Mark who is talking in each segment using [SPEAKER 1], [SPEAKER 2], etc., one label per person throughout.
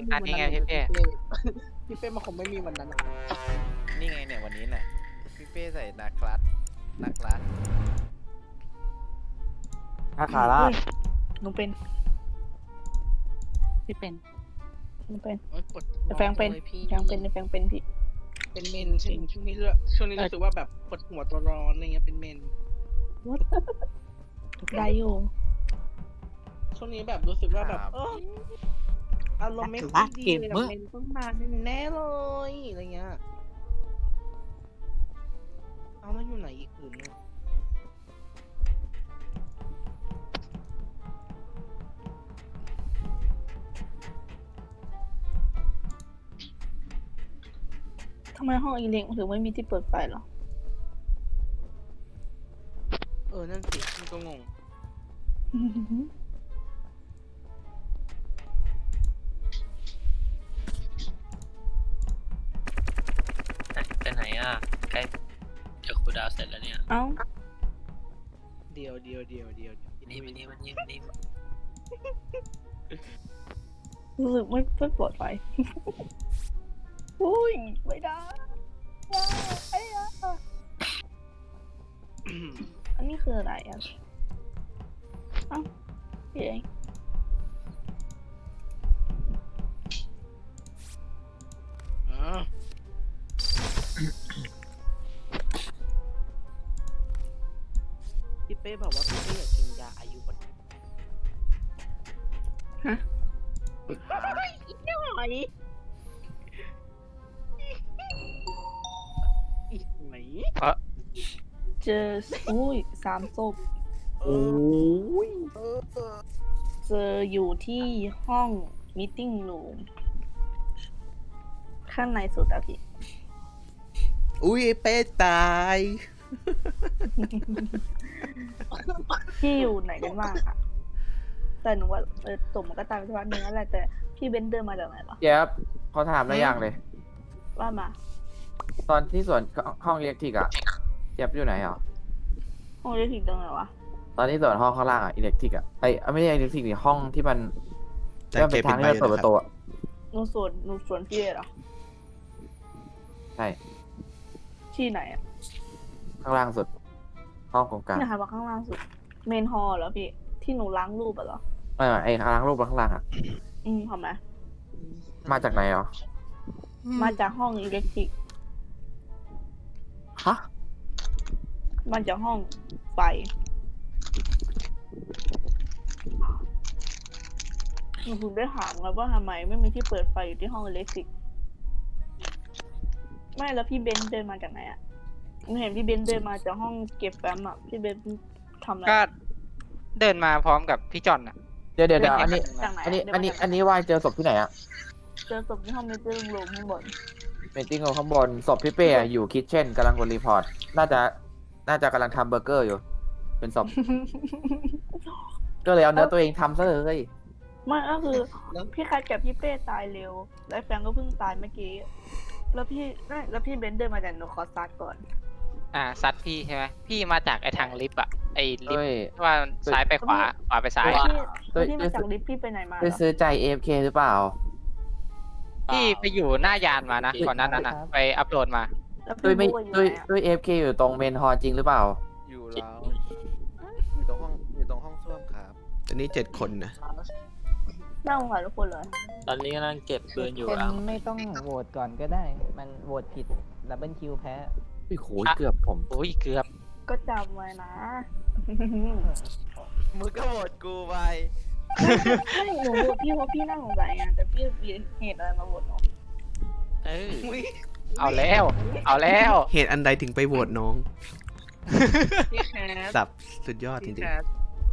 [SPEAKER 1] มีวันนั้นเลยพี่เป้มันคงไม่มีวันนั้น
[SPEAKER 2] นี่ไงเนี่ยวันนี้แหละพี่เป้ใส่นาคลัส
[SPEAKER 3] ถ้าคาร่า
[SPEAKER 4] หนูเป็น
[SPEAKER 5] ที่เป็น
[SPEAKER 4] หนูเป็น
[SPEAKER 1] ปวด
[SPEAKER 4] แฟงเป็น
[SPEAKER 1] พี่
[SPEAKER 4] แฟงเป็นแฟงเป็นพี่
[SPEAKER 1] เป็นเมนใช่ไหมช่วงนี้รู้สึกว่าแบบปวดหัวตัวร้อนอะไรเงี้ยเป็นเมน
[SPEAKER 4] ได้อยู่
[SPEAKER 1] ช่วงนี้แบบรู้สึกว่าแบบอารมณ์ไม่ค่อยดีเลยแบบเมนต้องมาแน่เลยอะไรเงี้ยเอาแล้วอยู่ไหนอีกอื่นเนี่ย
[SPEAKER 4] ทำไมห้องอีเล็กถึงไม่มีที่เปิดไฟหรอ
[SPEAKER 1] นั่นสิมันก็งง
[SPEAKER 6] ไปไหนอ่ะใกล้จะคูลดาวน์เสร็จแล้วเนี่ย
[SPEAKER 4] เอ้า
[SPEAKER 1] เดียว
[SPEAKER 6] นี่มานี่
[SPEAKER 4] รู้สึกไม่ปลอดภัย อุ้ยไม่ได้ไอ้อะอันนี้คืออะไรอ่ะเอ้าพี่เอง
[SPEAKER 1] พี่เป้บอกว่าพี่เป้อยากกินยาอายุวัฒนะ
[SPEAKER 4] ฮะ
[SPEAKER 1] ไหนอีกไหม
[SPEAKER 4] เจออุ้ย3 ศพ
[SPEAKER 3] โอ้ย
[SPEAKER 4] เจออยู่ที่ห้องมีตติ้งรูมข้างในสุดอะพี่
[SPEAKER 3] อุ้ยเป้ตาย
[SPEAKER 4] พี่อยู่ไหนกันบ้างอะแต่หนูว่าตกมันก็ตายไปสักพักนึงแล้วแหละแต่พี่เบนเดินมาจากไหนวะ
[SPEAKER 3] เจี๊ยบเขาถามอะไรอย่างเลย
[SPEAKER 4] ว่ามา
[SPEAKER 3] ตอนที่สวนห้องอิเล็กทริกอะเจี๊ยบอยู่ไหนอ่ะ
[SPEAKER 4] ห้องเล็กถึงตรงไหนวะ
[SPEAKER 3] ตอนที่สวนห้องข้างล่างอะอิเล็กทริกอะไม่ใช่อิเล็กทริกนี่ห้องที่มันที่มันเป็นทางที่มันเปิดประตูอะ
[SPEAKER 4] หนูสวนพี่เหรอ
[SPEAKER 3] ใช่
[SPEAKER 4] ที่ไหนอะ
[SPEAKER 3] ข้างล่างสุด ห้องตรงกลาง
[SPEAKER 4] ที่ไหนว่าข้างล่างสุด เมนฮอลเหรอพี่ ที่หนูล้างรูปอะเหรอ
[SPEAKER 3] ไม่ไอ้ข้างล่างรูปข้างล่างอะ
[SPEAKER 4] ทำไม
[SPEAKER 3] มาจากไหนอ่ะ
[SPEAKER 4] มาจากห้องอิเล็กทริก
[SPEAKER 3] ฮะ
[SPEAKER 4] มาจากห้องไฟหนูถึงได้ถามไงว่าทำไมไม่มีที่เปิดไฟอยู่ที่ห้องอิเล็กทริก ไม่แล้วพี่เบนซ์เดินมาจากไหนอะหนูเห็นพี่เบนซ์เดินมาจากห้องเก็บแฟ้มอะพี่เบนซ์ทำอะไร
[SPEAKER 7] ก็เดินมาพร้อมกับพี่จอนอ่ะ
[SPEAKER 3] เดี๋ยวอันนี้
[SPEAKER 4] จากไหน
[SPEAKER 3] อันนี้วายเจอศพที่ไหนอะ
[SPEAKER 4] เจอศพที่ห้องมิเตอร์รูมข้างบน
[SPEAKER 3] เมตติ้งข้างบนศพพี่เป้อะอยู่คิทเช่นกำลังกดรีพอร์ตน่าจะกำลังทำเบอร์เกอร์อยู่ เป็นศพ ก็เลยเอาเนื้อตัวเองทำซะเลย
[SPEAKER 4] ไม่ก็คือพี่คัดกับพี่เป้ตายเร็ว แล้วแฟงก็เพิ่งตายเมื่อกี้ แล้วพี่เบนซ์เดินมาจากหนูขอซัดก่อน
[SPEAKER 7] ซัดพี่ใช่ไหมพี่มาจากไอ้ทางลิฟต์อ่ะไอ้ลิฟ
[SPEAKER 3] ด้วย
[SPEAKER 7] ต์ที่ว่าซ้ายไปขวาขวาไปซ้าย
[SPEAKER 4] แล้ว
[SPEAKER 3] ด้วย
[SPEAKER 4] พี่มาจากลิฟต์พี่ไปไหนมาเห
[SPEAKER 3] ไป
[SPEAKER 4] รอ
[SPEAKER 3] ซื้อใจ AFK หรือเปล่า
[SPEAKER 7] พี่ไปอยู่หน้ายานมานะก่อนหนั้นน่ะไปอัพโหลดมา
[SPEAKER 4] แล้ว
[SPEAKER 3] ด้วย
[SPEAKER 4] พี่
[SPEAKER 3] ไม่
[SPEAKER 4] บู๊อยู่
[SPEAKER 3] ด้วย
[SPEAKER 4] ไหนอะ
[SPEAKER 3] ด้วย AFK อยู่ตรงเมนฮอลจริงหรือเปล่า
[SPEAKER 2] อยู่แล้วอยู่ตรงห้องส้วมครับ
[SPEAKER 8] อันนี้7 คนนะ
[SPEAKER 4] น่าสงสารทุกคนเลย
[SPEAKER 6] ตอนนี้กำลังเก็บปืนอยู่
[SPEAKER 9] เป็น
[SPEAKER 6] อ่ะ
[SPEAKER 9] ไม่ต้องโหวตก่อนก็ได้ มันโหวตผิดดับเบิลคิวแพ้
[SPEAKER 3] โอ้โหเกือบผม
[SPEAKER 7] โอ้ยเกือบ
[SPEAKER 4] ก็จำไว้นะ
[SPEAKER 2] มึงก็โหวตกูไป
[SPEAKER 4] ไม่หนูโหวตพี่เพราะพี่น่าสงสัยไงแต่พี่มีเหตุอะไรมาโหวตหนู
[SPEAKER 7] เออเอาแล้วเอาแล้ว
[SPEAKER 8] เหตุอันใดถึงไปโหวตน้อง
[SPEAKER 1] พี่แคท
[SPEAKER 8] สับสุดยอดจ
[SPEAKER 1] พี่
[SPEAKER 8] ริ
[SPEAKER 1] แค
[SPEAKER 8] ง
[SPEAKER 1] ท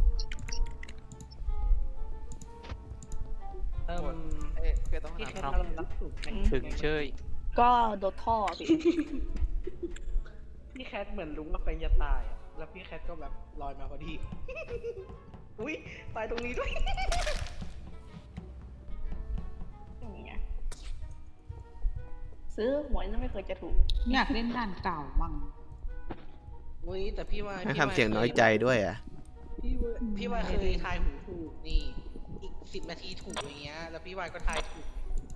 [SPEAKER 2] คือต้อง
[SPEAKER 1] พี่
[SPEAKER 2] หา
[SPEAKER 1] แคทกำลังรับสูตร
[SPEAKER 7] ถึงเชย
[SPEAKER 4] ก็โดนท่อพี่
[SPEAKER 1] พี่แคทเหมือนรู้ว่าแฟนจะตายอะแล้วพี่แคทก็แบบลอยมาพอดี อุ้ยตายตรงนี้ด้วย
[SPEAKER 4] อย่างเงี้ยซื้อหวยแล้วไม่เคยจะถูก
[SPEAKER 5] อยากเล่นด่านเก่าบ้าง
[SPEAKER 1] อุ้ยแต่พี่ว่า
[SPEAKER 8] ๆให้ทำเสียงน้อยใจด้วยอ่ะ
[SPEAKER 1] พี่ว่าเคยทายหูถูกนี่อีก10 นาทีถูกอย่างเงี้ยแล้วพี่วายก็ทายถูก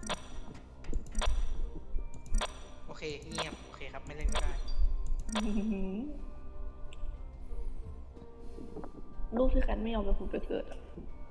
[SPEAKER 1] เคเงียบโอเคครับไม่เล่นก็ได้
[SPEAKER 4] ลูกพี่คันไม่ยอมไปผุดไปเกิดอะ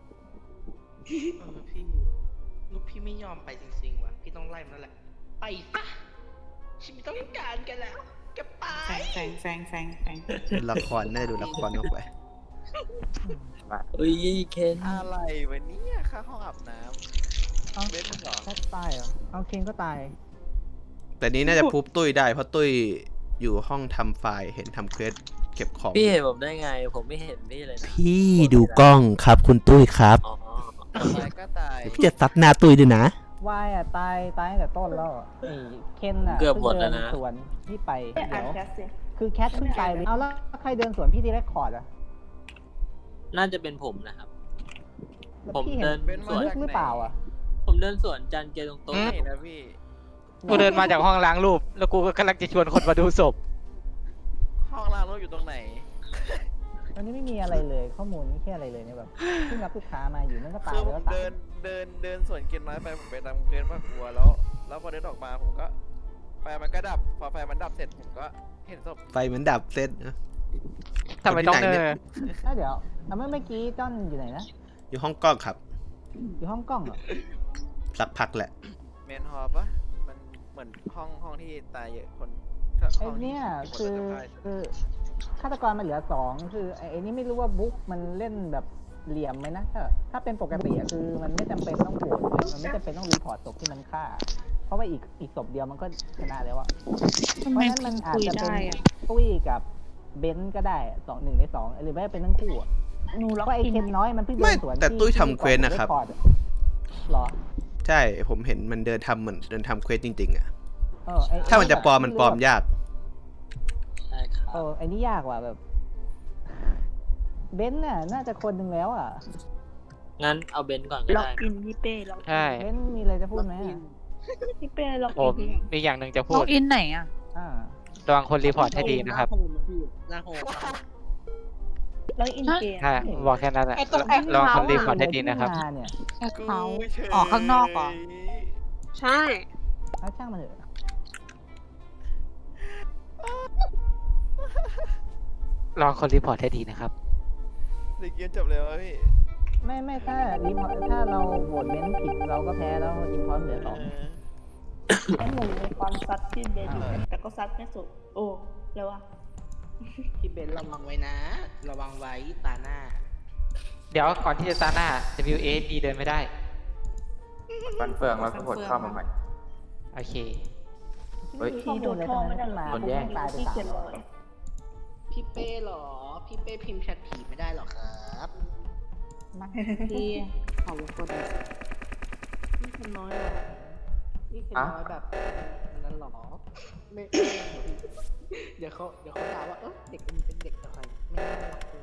[SPEAKER 1] พี่ลูกพี่ไม่ยอมไปจริงๆว่ะพี่ต้องไล่มันแล้วแหละไปซะฉันไม่ต้องการกันแล้วแกไป
[SPEAKER 5] แฟง
[SPEAKER 8] ดูละครน่าจะดูละครออกไป
[SPEAKER 6] เฮ้ยเคน
[SPEAKER 2] อะไรวะเนี่ยค่าห้องอาบน้
[SPEAKER 9] เอ้า
[SPEAKER 2] ำเล่นมึงเหรอ
[SPEAKER 9] แค่ตายเหรอ เอาเคนก็ตาย
[SPEAKER 8] แต่นี้น่าจะพูบตุ้ยได้เพราะตุ้ยอยู่ห้องทำไฟล์เห็นทำเควสเก็บของ
[SPEAKER 6] พี่เห็นผมได้ไง ผมไม่เห็นพี่เลยนะ
[SPEAKER 8] พี่ดูกล้องครับคุณตุ้ยครับ
[SPEAKER 6] อ๋อ
[SPEAKER 2] ตายก็ตาย
[SPEAKER 8] จะซัดหน้าตุ้ยด้วยนะ
[SPEAKER 9] วายอ่ะตายตั้งแต่ต้นแล้วอะไอ้เคนอ่ะ
[SPEAKER 6] เกือบหมดแล้วนะ
[SPEAKER 9] เพิ่งเดิสวนพี่ไป
[SPEAKER 4] ไม่อ่า
[SPEAKER 9] เดี๋
[SPEAKER 4] น
[SPEAKER 9] ยว
[SPEAKER 4] แคสสิ
[SPEAKER 9] คือแคทเพิ่งไปเลยเอาแล้วใครเดินสวนพี่ที่เรคคอร์ดอ่ะ
[SPEAKER 6] น่าจะเป็นผมนะครับ
[SPEAKER 9] แล้ว
[SPEAKER 6] ผม
[SPEAKER 9] พี่เห็
[SPEAKER 6] เดิ
[SPEAKER 9] น
[SPEAKER 6] น
[SPEAKER 2] เป็น
[SPEAKER 6] สวน
[SPEAKER 9] ลึกหรือเปล่าอ่ะ
[SPEAKER 6] ผมเดินสวนจันเจตรง
[SPEAKER 2] ไม่นะพี่
[SPEAKER 7] กูเดินมาจากห้องล้างรูป แล้วกูก็กำลังจะชวนคนมาดูศพ
[SPEAKER 2] ห้องล้างรถอยู่ตรงไหน
[SPEAKER 9] วันนี้ไม่มีอะไรเลย ข้อมูลไม่แค่อะไรเลยเนี่ยแบบเพิ่งรับลูกค้ามาอยู่นั่นก็ตาย
[SPEAKER 2] คือผ
[SPEAKER 9] แล้ว
[SPEAKER 2] ม
[SPEAKER 9] ก็ตาย
[SPEAKER 2] เดินส่วนเกณฑ์น้อยไปผมไปตามเกณฑ์ว่ากลัวแล้วพอเดินออกมาผมก็ไฟมันก็ดับพอไฟมันดับเสร็จผมก็เห็นศพ
[SPEAKER 8] ไฟเหมือนดับเซตนะ
[SPEAKER 7] ทำไมต้องเดิน
[SPEAKER 9] แล้วเดี๋ยวเมื่อกี้จ้อนอยู่ไหนนะ
[SPEAKER 8] อยู่ห้องกล้องครับ
[SPEAKER 9] อยู่ห้องกล้องเหรอ
[SPEAKER 8] สักพักแหละ
[SPEAKER 2] เมนฮอลปะมันเหมือนห้องที่ตายเยอะคน
[SPEAKER 9] ไอ้เนี่ยคือฆาตกรมันเหลือสองคือไอ้นี่ไม่รู้ว่าบุ๊กมันเล่นแบบเหลี่ยมไหมนะถ้าเป็นปกติอะคือมันไม่จำเป็นต้องโหวตเลยมันไม่จำเป็นต้องรีพอร์ตศพที่มันฆ่า เพราะว่าอีกศพเดียวมันก็ชนะแล้วอะ
[SPEAKER 5] ทำ
[SPEAKER 9] เพ
[SPEAKER 5] ไม
[SPEAKER 9] ราะฉะนั้นมันอาจ
[SPEAKER 5] คุย
[SPEAKER 9] จะเป็น
[SPEAKER 5] ได้อะ
[SPEAKER 9] ตุ้ยกับเบนซ์ก็ได้1 ใน 2หรือไม่ก็เป็นทั้งคู่อะ
[SPEAKER 4] หนูล็อก
[SPEAKER 9] เพราะไอ้
[SPEAKER 4] อิน
[SPEAKER 9] เคนน้อยมันเพิ่งเดิ
[SPEAKER 8] ไม่
[SPEAKER 9] นสวน
[SPEAKER 8] แต่ตุ้ย
[SPEAKER 9] ที่
[SPEAKER 8] ทำเควสนะครับ
[SPEAKER 9] ก่อผมเหรอ
[SPEAKER 8] ใช่ ผมเห็นมันเดินทำเหมือนเดินทำเควสจริงๆอะ
[SPEAKER 9] ไอ้
[SPEAKER 8] ถ้ามันจะปลอมมันปลอมยาก
[SPEAKER 6] ใช่ครับ
[SPEAKER 9] ไอ้นี่ยากว่ะแบบเบนซ์น่ะน่าจะคนหนึ่งแล้วอ่ะ
[SPEAKER 6] งั้นเอาเบนซ์ก่อนก็
[SPEAKER 4] ล็อก
[SPEAKER 6] ได้
[SPEAKER 4] อินพี่เป้ล็อก
[SPEAKER 7] ใช่
[SPEAKER 9] เบนซ์มีอะไรจะพูดไหมอะ
[SPEAKER 4] พี่เป้ล็อก
[SPEAKER 7] ผ
[SPEAKER 4] อิ
[SPEAKER 7] ม
[SPEAKER 4] น
[SPEAKER 7] มีอย่างหนึ่งจะพู
[SPEAKER 5] ล็อ
[SPEAKER 7] ด
[SPEAKER 5] กอินไหนอ่ะ
[SPEAKER 9] อ่า
[SPEAKER 7] ระวังคนรีพอร์ตให้ดีนะครับ
[SPEAKER 1] หน้าโฮม
[SPEAKER 4] ล็อกอินเกม
[SPEAKER 7] ใช่บอกแค่นั้นแหละ
[SPEAKER 5] ไอ้ตรงแอค
[SPEAKER 7] ระวัง
[SPEAKER 5] เคา
[SPEAKER 7] คน
[SPEAKER 5] ท์
[SPEAKER 7] รีพอร์ตให้ดีนะครับ
[SPEAKER 9] มาเนี่ย
[SPEAKER 5] แอคเขา
[SPEAKER 2] เฉย
[SPEAKER 5] ออกข้างนอกเหรอ ใช่
[SPEAKER 9] เอาช่างมันเถอะ
[SPEAKER 7] ระวังคนรีพอร์ตให้ดีนะครับ
[SPEAKER 2] หรือเกมจบเลยวะพี่
[SPEAKER 9] ไม่ถ้ารีพอร์ตถ้าเราโหวตเบนซ์ผิดเราก็แพ้แล้วอินพอร์ตเหลือสอง
[SPEAKER 4] ไอ้หนูในความซัดที่เบนแต่ก็ซัดไม่สุด โอ้แล้ววะ
[SPEAKER 1] พี่เบนระวังไว้นะ ระวังไว้ตาหน้า
[SPEAKER 7] เดี๋ยวก่อนที่จะตาหน้า WAD เดินไม่ได้
[SPEAKER 3] ฟันเฟืองแล้วก็กดเข้ามาใหม่
[SPEAKER 7] โอเค
[SPEAKER 3] เฮ้ย
[SPEAKER 4] พี่โดนทองไม่ได้หรอ
[SPEAKER 3] โดนแย่ง
[SPEAKER 9] ตายไป
[SPEAKER 4] พี่
[SPEAKER 9] สา
[SPEAKER 4] เขีย
[SPEAKER 9] ม
[SPEAKER 4] นเลย
[SPEAKER 1] พี่เป้เหรอ พี่เป้พิมพ์แชทผีไม่ได้หรอครับ
[SPEAKER 5] นักที่เขาวงกลม
[SPEAKER 1] นี่คนน้อยเหรอนี่คนน้อยแบบนั้นหรอไม่เดี๋ยวเขาด่าว่าเด็กมันเป็นเด็กอะไรไม่น่ารักเลย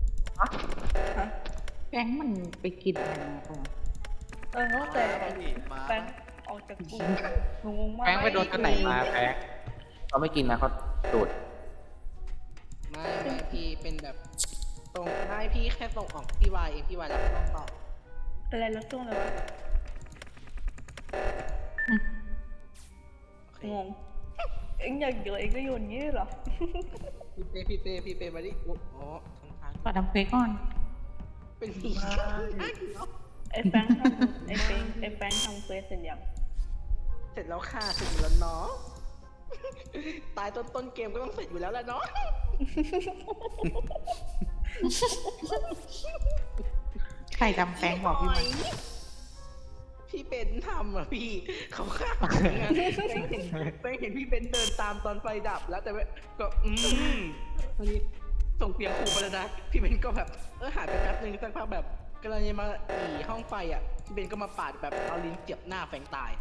[SPEAKER 5] แฟงมันไปกินอะไรมาก่อน
[SPEAKER 4] แต่
[SPEAKER 2] พี่มา
[SPEAKER 4] แฟนออกจากกลุ่มหนูงงมาก
[SPEAKER 7] แฟงไปโดนตัวไหนมาแฟง
[SPEAKER 3] เขาไม่กินนะเขาตูด
[SPEAKER 1] ไม่พี่เป็นแบบตรงให้พี่แค่ส่งออกพี่วายเองพี่วายรับต้องตอบ
[SPEAKER 4] อะไรแล้วช่วงเลยวะงงเอ็งอยากเยอะเอ็งก็โยนอย่างนี้เหรอ
[SPEAKER 1] พี่เป้มาดิอ๋อทาง
[SPEAKER 5] ก็ทำเควสก่อน
[SPEAKER 1] เป็นผี
[SPEAKER 4] ไอ้แฟงทำไอ้แฟงทำเควสเสร็จยัง
[SPEAKER 1] เสร็จแล้วค่ะเสร็จแล้วเนาะตายต้นเกมก็ต้องเสร็จอยู่แล้วแหละเนาะ
[SPEAKER 5] ใครจำแฟงบอกพี่ไหม
[SPEAKER 1] พี่เป็นทำอ่ะพี่เขาฆ่าอย่างนั้นไปเห็นพี่เป็นเดินตามตอนไฟดับแล้วแต่ว่าก็ตอนนี้ส่งเสียงขู่ไปแล้วนะพี่เบนก็แบบหายไปแป๊บนึงสักพักแบบกำลังจะมาห้องไฟอ่ะพี่เบนก็มาปาดแบบเอาลิ้นเจียบหน้าแฟงตาย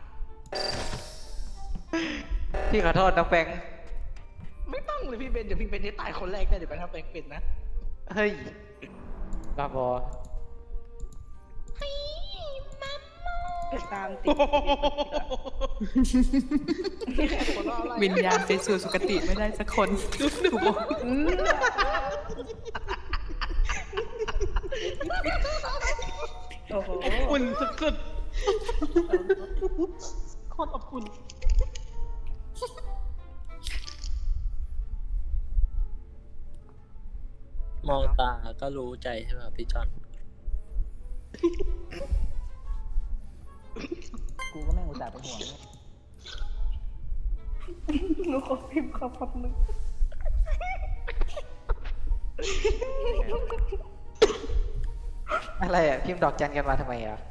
[SPEAKER 7] พี่ขอโทษน้องแฟง
[SPEAKER 1] ไม่ต้องเลยพี่เบนเดี๋ยวพี่เบนได้ตายคนแรกแน่เดี๋ยวไปทำแฟงเป็นนะ
[SPEAKER 7] เฮ้ยบ้าบอ
[SPEAKER 4] ไปตามติด
[SPEAKER 5] วิญญาณไปสู่สุคติไม่ได้สักคนถูกบอก
[SPEAKER 4] โอ้โห
[SPEAKER 1] อุ่นสุดๆโคตรอบอุ่น
[SPEAKER 6] มองตาก็รู้ใจใช่ไหมครับพี่จอน
[SPEAKER 9] กูก็ไม่อุตส่าห์เป็นห่วง
[SPEAKER 4] หนูขอพิมพ์คำคำนึง
[SPEAKER 7] อะไรอ่ะ พิมพ์ดอกจันกันมาทำไมอ่ะ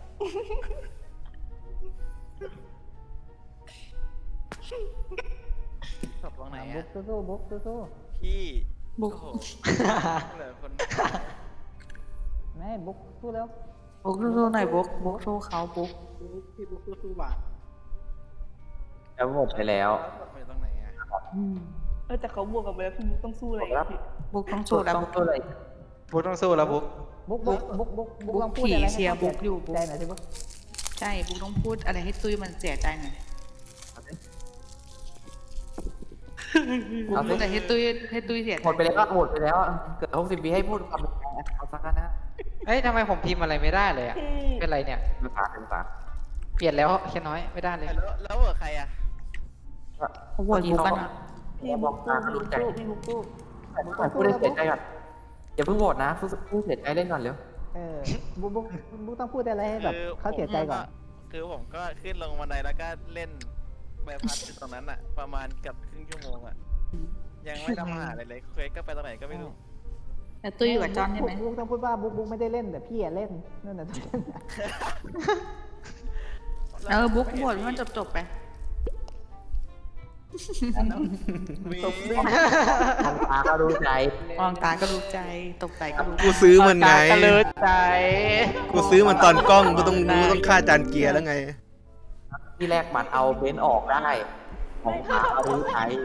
[SPEAKER 2] ศพตรงไหน
[SPEAKER 9] บุ๊
[SPEAKER 2] อะ
[SPEAKER 9] กสู้ๆบุ๊กสู้
[SPEAKER 2] พี่
[SPEAKER 5] บุ๊ก
[SPEAKER 2] โอ้โหเหลือคน
[SPEAKER 9] ๆไม่บุ๊กสู้แล้ว
[SPEAKER 5] บุ๊กสู้ๆหน่อยบุ๊กสู้เขาบุ๊ก
[SPEAKER 1] พี่บุ๊กสู้ๆว่ะ
[SPEAKER 3] แล้วหมดไปแล้ว
[SPEAKER 2] ศพอยู่ตรงไหนอะ
[SPEAKER 4] แต่เขาบวกกันไปแล้วพี่บุ๊กต้องสู้อะไรอีกพี่
[SPEAKER 5] บุ๊กต้องสู้แล้ว
[SPEAKER 3] ต้องตัวเลย
[SPEAKER 7] บุ๊กต้องสู้แล้วบุ๊ก
[SPEAKER 9] บุ๊กลองพูดอะไรให้
[SPEAKER 5] เชียร์บุ๊กอยู่บุ๊ก
[SPEAKER 9] ใจหน่อยสิบุ๊ก
[SPEAKER 5] ใช่บุ๊กต้องพูดอะไรให้ตุ้ยมันเสียใจหน่อยบุ๊ก
[SPEAKER 3] เอา
[SPEAKER 5] พู
[SPEAKER 3] สิ
[SPEAKER 5] ดอะไรให้ตุ้ยเสียใจ
[SPEAKER 3] หมดไปแล้วหมดไปแล้วเกิด60 ปีให้พูดความเป็นใจเอาสักกันนะ
[SPEAKER 7] เอ้ยทำไมผมพิมพ์อะไรไม่ได้เลยอ่ะ เป็นไรเนี่ย
[SPEAKER 3] เป็นภาษา
[SPEAKER 7] เปลี่ยนแล้วแค่น้อยไม่ได้เลย
[SPEAKER 2] แล้วเหลือใครอะ
[SPEAKER 5] เขาโหวตบุ๊กกันอะ
[SPEAKER 4] พี่บุ๊กสู้พี่บุ๊กสู้พี่บุ๊กสู้
[SPEAKER 3] พูดได้เสียใจก่อนอย่าเพิ่งโหวตนะพูดเสียใจเล่นก่อนเร็ว
[SPEAKER 9] บุ๊กต้องพูดอะไรให้แบบเขาเสียใจก่อน
[SPEAKER 2] คือผมก็ขึ้นลงบันไดแล้วก็เล่นใบพัดอยู่ตรงนั้นอะประมาณเกับครึ่งชั่วโมงอะยังไม่ทำอาหารเลยเควสก็ไปตรงไหนก็ไม่รู้
[SPEAKER 5] แล้วตุ้ยอยู่กับจอนใช่ไหม
[SPEAKER 9] บุ๊กต้องพูดว่าบุ๊กไม่ได้เล่นแต่พี่อะเล่นนั่นน่ะ
[SPEAKER 5] บุ๊กโหวตให้มันจบไป
[SPEAKER 2] มี
[SPEAKER 3] ทางตาก็รู้ใจ
[SPEAKER 5] มองตาก็รู้ใจตกใจก็รู้ใจ
[SPEAKER 8] กูซื้อมันไง
[SPEAKER 7] ตาก็เลิศใจ
[SPEAKER 8] กูซื้อมันตอนกล้องกูต้องรู้ต้องฆ่าจานเกียร์แล้วไง
[SPEAKER 3] ที่แรกบัตรเอาเบนซ์ออกได้ของตาก็รู้ใจ